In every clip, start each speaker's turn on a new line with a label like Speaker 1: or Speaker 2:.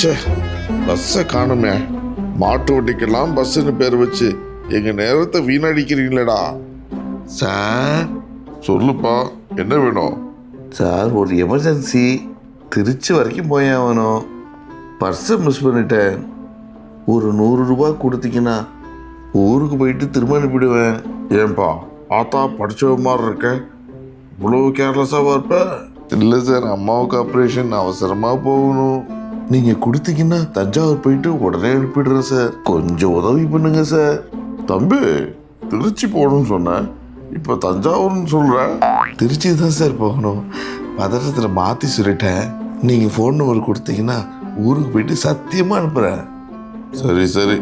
Speaker 1: ச்சே, பஸ்ஸை காணுமே. மாட்டு வண்டிக்கெல்லாம் பஸ்ஸுன்னு பேர் வச்சு எங்க நேரத்தை வீணடிக்கிறீங்களேடா.
Speaker 2: சார்
Speaker 1: சொல்லுப்பா, என்ன வேணும்?
Speaker 2: சார் ஒரு எமர்ஜென்சி, திருச்சி வரைக்கும் போய் ஆகணும். பர்ஸை மிஸ் பண்ணிட்டேன். ஒரு 100 ரூபா கொடுத்தீங்கன்னா ஊருக்கு போயிட்டு திரும்ப அனுப்பிடுவேன்.
Speaker 1: ஏன்பா ஆத்தா படிச்சவ மாதிரி இருக்க, இவ்வளவு கேர்லெஸ்ஸாக இருப்ப? இல்லை சார், அம்மாவுக்கு ஆப்ரேஷன், அவசரமாக போகணும்.
Speaker 2: நீங்கள் கொடுத்தீங்கன்னா தஞ்சாவூர் போயிட்டு உடனே அனுப்பிடுறேன் சார். கொஞ்சம் உதவி பண்ணுங்க சார்.
Speaker 1: தம்பி, திருச்சி போகணும்னு சொன்னேன், இப்போ தஞ்சாவூர்னு சொல்கிற?
Speaker 2: திருச்சி தான் சார் போகணும். பதட்டத்தில் மாற்றி சொல்லிட்டேன். நீங்கள் ஃபோன் நம்பர் கொடுத்தீங்கன்னா ஊருக்கு போயிட்டு சத்தியமாக அனுப்புகிறேன்.
Speaker 1: சரி சரி.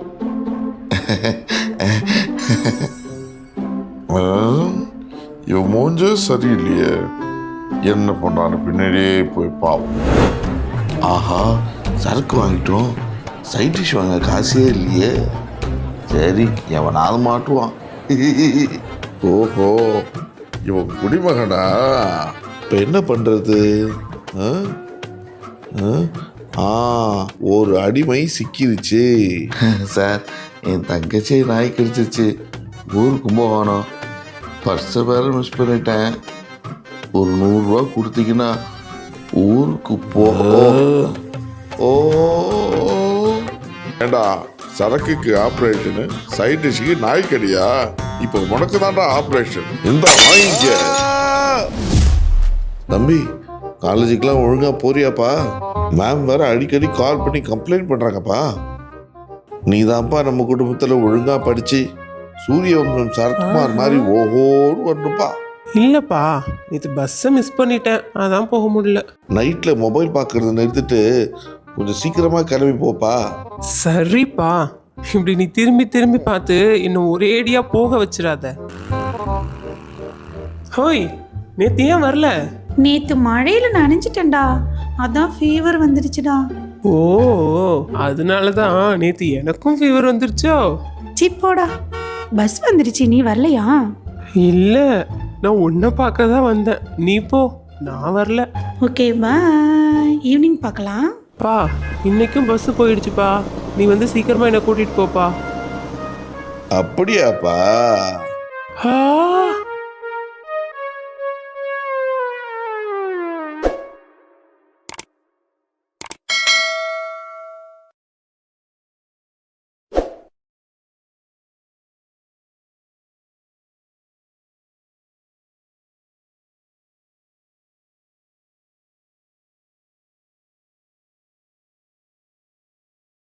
Speaker 1: இவன் மூஞ்சே சரியில்லையே, என்ன பண்ணான்னு பின்னாடியே போய் பாவம்.
Speaker 2: ஆஹா, சரக்கு வாங்கிட்டோம், சைட் டிஷ் வாங்க காசே இல்லையே. சரி, எவனாவது மாட்டுவான்.
Speaker 1: ஓஹோ, இவன் குடிமகனா?
Speaker 2: இப்போ என்ன பண்ணுறது? ஒரு அடிமை சிக்கிருச்சு சார். என் தங்கச்சி நாய் கடிச்சிருச்சு. ஊருக்கு போகணும். பர்ஸை வேற மிஸ் பண்ணிட்டேன். ஒரு 100 ரூபா கொடுத்தீங்கன்னா ஊருக்கு ஓ
Speaker 1: ஏண்டா, சரக்குக்கு ஆப்ரேஷனு, சைட் டிஷ்ஷுக்கு நாய்க்கடியா? இப்போ உனக்கு தான்டா ஆப்ரேஷன். இந்த வாங்கிக்க.
Speaker 2: தம்பி, காலேஜுக்கெலாம் ஒழுங்காக போறியாப்பா? மேம் வேற அடிக்கடி கால் பண்ணி கம்ப்ளைண்ட் பண்ணுறாங்கப்பா. நீ தான்ப்பா நம்ம குடும்பத்தில் ஒழுங்காக படித்து சூரியவம்சம் சரத்குமார் மாதிரி ஓஹோன்னு வரணுப்பா.
Speaker 3: இல்லைப்பா, நேற்று பஸ்ஸை மிஸ் பண்ணிட்டேன், அதான் போக முடியல.
Speaker 2: நைட்டில் மொபைல் பார்க்குறத நிறுத்திட்டு கொஞ்சம் சீக்கிரமாக கிளம்பி போப்பா.
Speaker 3: சரிப்பா, இப்படி நீ திரும்பி திரும்பி பார்த்து இன்னும் ஒரேடியாக போக வச்சிடாத. ஹோய், நேற்று ஏன் வரல?
Speaker 4: நேத்து மழையில நனைஞ்சிட்டேன்டா, அதான் ஃபீவர் வந்துடுச்சுடா.
Speaker 3: ஓ, அதனால தான் நேற்று எனக்கும் ஃபீவர் வந்துருச்சோ?
Speaker 4: சிப்போடா, பஸ் வந்துடுச்சு, நீ வரலையா?
Speaker 3: இல்லை, நான் உன்னை பார்க்க தான் வந்தேன். நீ போ, நான் வரல.
Speaker 4: ஓகே, பாய். ஈவினிங் பார்க்கலாம்.
Speaker 3: பா, இன்னைக்கும் பஸ் போயிடுச்சுப்பா. நீ வந்து சீக்கிரமா என்னை கூட்டிட்டு போப்பா.
Speaker 2: அப்படியாப்பா?
Speaker 3: ஆ